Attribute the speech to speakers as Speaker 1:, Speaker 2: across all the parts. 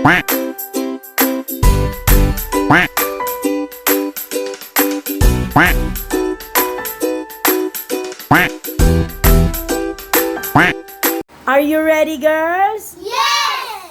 Speaker 1: Are you ready, girls?
Speaker 2: Yes!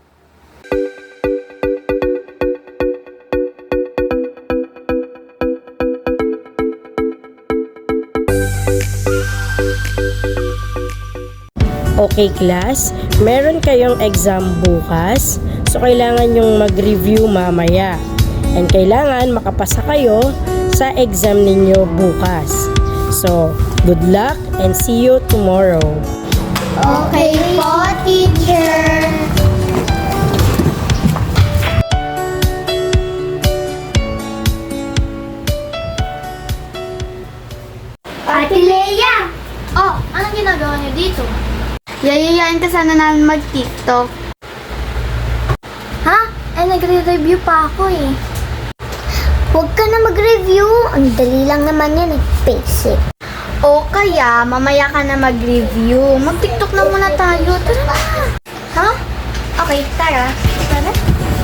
Speaker 1: Okay, class. Meron kayong exam bukas. So, kailangan yung mag-review mamaya. And kailangan makapasa kayo sa exam ninyo bukas. So, good luck and see you tomorrow.
Speaker 2: Okay po, teacher. Ate Leia!
Speaker 3: Oh, anong ginagawa niyo dito?
Speaker 2: Yayayain ka sana namin mag-TikTok.
Speaker 3: Ha? Nagre-review pa ako eh.
Speaker 2: Huwag ka na mag-review. Ang dali lang naman yan eh. Basic. O kaya, mamaya ka na mag-review. Mag-TikTok na muna tayo. Tara na. Ha? Okay, tara. Tara.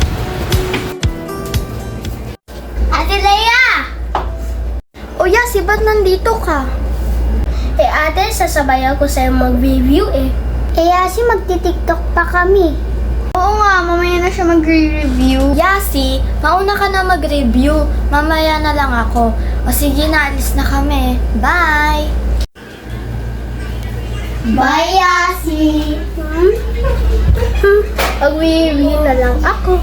Speaker 2: Ate Leia!
Speaker 3: O Yasi, ba't nandito ka?
Speaker 2: Ate, sasabayan ko sa'yo mag-review eh. Yasi, magti-TikTok pa kami.
Speaker 3: Oo nga, mamaya na siya magre-review. Yasi, mauna ka na mag-review. Mamaya na lang ako. O sige, naalis na kami. Bye!
Speaker 2: Bye, Yasi! Mag-review na lang ako.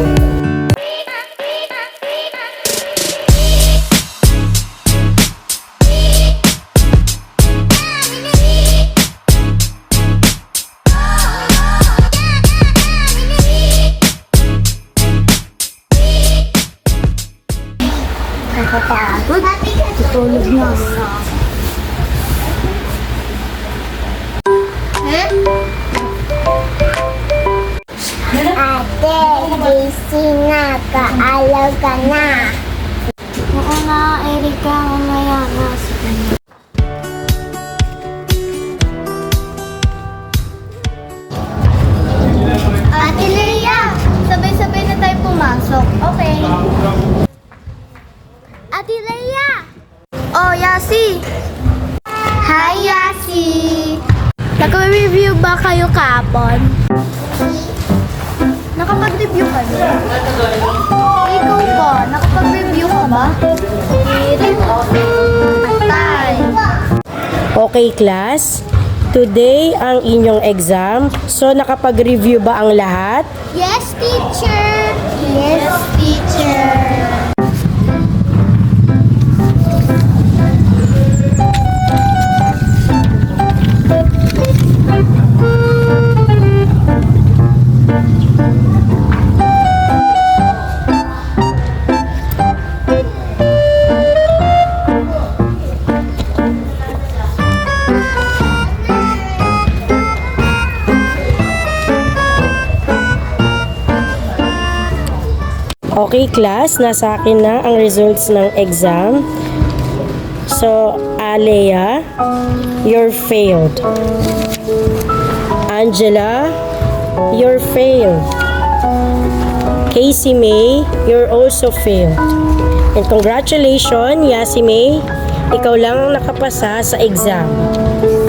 Speaker 3: Nakapagod. Tutulog na.
Speaker 2: Ate, gising na. Kaalaw ka na.
Speaker 3: Oo na, Erika. Mamaya na. Sige na.
Speaker 2: Ate Leia,
Speaker 3: Sabay-sabay na tayo pumasok. Okay.
Speaker 2: Ate Leia!
Speaker 3: Oh, Yasi!
Speaker 2: Hi, Yasi!
Speaker 3: Nag-review ba kayo kahapon? Nakapag-review ka ba? Ikaw ba? Nakapag-review ka ba? Patay!
Speaker 1: Okay, class. Today ang inyong exam. So, nakapag-review ba ang lahat?
Speaker 2: Yes, teacher! Yes, teacher!
Speaker 1: Okay, class. Nasa akin na ang results ng exam. So, Alea, you're failed. Angela, you're failed. Casey May, you're also failed. And congratulations, Yasi May, ikaw lang ang nakapasa sa exam.